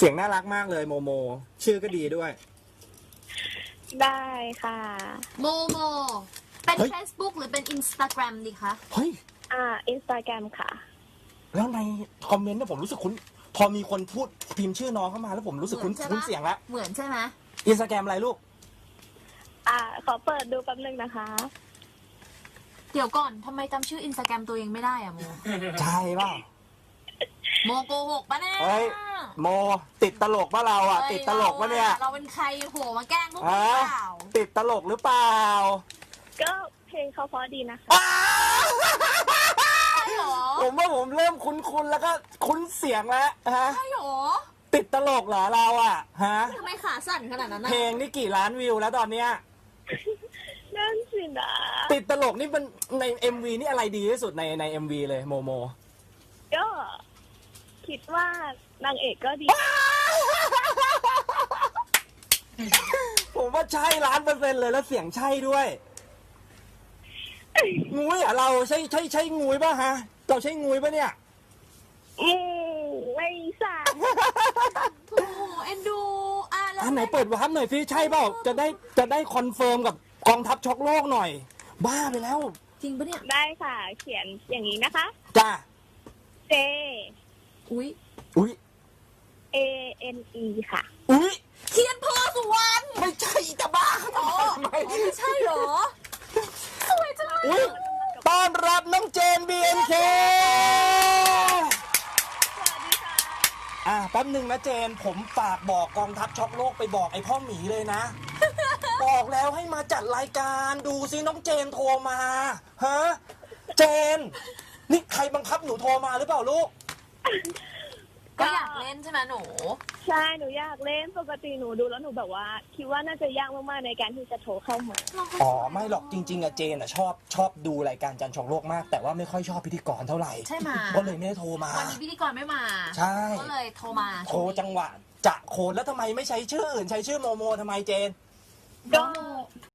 สียงน่ารักมากเลยโมโม ชื่อก็ดีด้วยได้ค่ะโมโมเป็นเฮ้ย Facebook หรือเป็น Instagram ดีคะเฮ้ย Instagram ค่ะแล้วในคอมเมนต์เนี่ยผมรู้สึกคุ้นพอมีคนพูดพิมพ์ชื่อน้องเข้ามาแล้วผมรู้สึกคุ้นเหมือนใช่ปะคุ้นเสียงแล้วเหมือนใช่ไหมอินสตาแกรมอะไรลูกขอเปิดดูแป๊บนึงนะคะเดี๋ยวก่อนทำไมจำชื่อ Instagram ตัวเองไม่ได้อะโมใช่เปล่าโมโกหกปะเนี่ยเฮ้ย โมติดตลกปะเราอ่ะ ติดตลกปะเนี่ยเราเป็นใครโหมาแกล้งพวกฮะเราเปล่าติดตลกหรือเปล่าก็เพลงเขาเพราะดีนะคะอ้าวใช่หรอผมว่าผมเริ่มคุ้นๆแล้วก็คุ้นเสียงแล้วฮะใช่หรอติดตลกเหรอเราอ่ะฮะทำไมขาสั่นขนาดนั้นนะเพลงนี่กี่ล้านวิวแล้วตอนเนี้ยนั่นสินะติดตลกนี่เป็นใน MV นี่อะไรดีที่สุดใน MV เลยโมโมก็คิดว่านางเอกก็ดีผมว่าใช่1,000,000%เลยแล้วเสียงใช่ด้วยงุ้ยอ่ะเราใช่งุ้ยป่ะฮะเราใช่งุ้ยป่ะเนี่ยไม่ทราบโถเอ็นดูแล้วอันไหนเปิดวาร์ปหน่อยสิใช่เปล่าจะได้คอนเฟิร์มกับกองทัพช็อกโลกหน่อย บ้าไปแล้วจริงปะเนี่ยได้ค่ะ เขียนอย่างนี้นะคะจ้า J อุ้ยอุ้ย A N E ค่ะอุ้ยเทียนโพสุวรรณไม่ใช่จะบ้าทำไมไม่ใช่หรอ สวยจังเลยอุ้ยต้อนรับน้องเจน BNK สวัสดีค่ะแป๊บหนึ่งนะเจนผมฝากบอกกองทัพช็อกโลกไปบอกไอ้พ่อหมีเลยนะ บอกแล้วให้มาจัดรายการดูซิน้องเจนโทรมาฮะเจน นี่ใครบังคับหนูโทรมาหรือเปล่าลูกก็อยากเล่นใช่ไหมหนูใช่ หนูอยากเล่น ปกติหนูดูแล้วหนูแบบว่า คิดว่าน่าจะยากมากๆในการที่จะโทรเข้ามาอ๋อไม่หรอกจริงๆอะเจนอะชอบดูรายการจันทร์ช็อกโลกมาก แต่ว่าไม่ค่อยชอบพิธีกรเท่าไหร่ใช่ไหมก็เลยไม่ได้โทรมาวันนี้พิธีกรไม่มาใช่ก็เลยโทรมาโทรจังหวะจะโคนแล้วทำไมไม่ใช้ชื่ออื่นใช้ชื่อโมโมทำไมเจนก็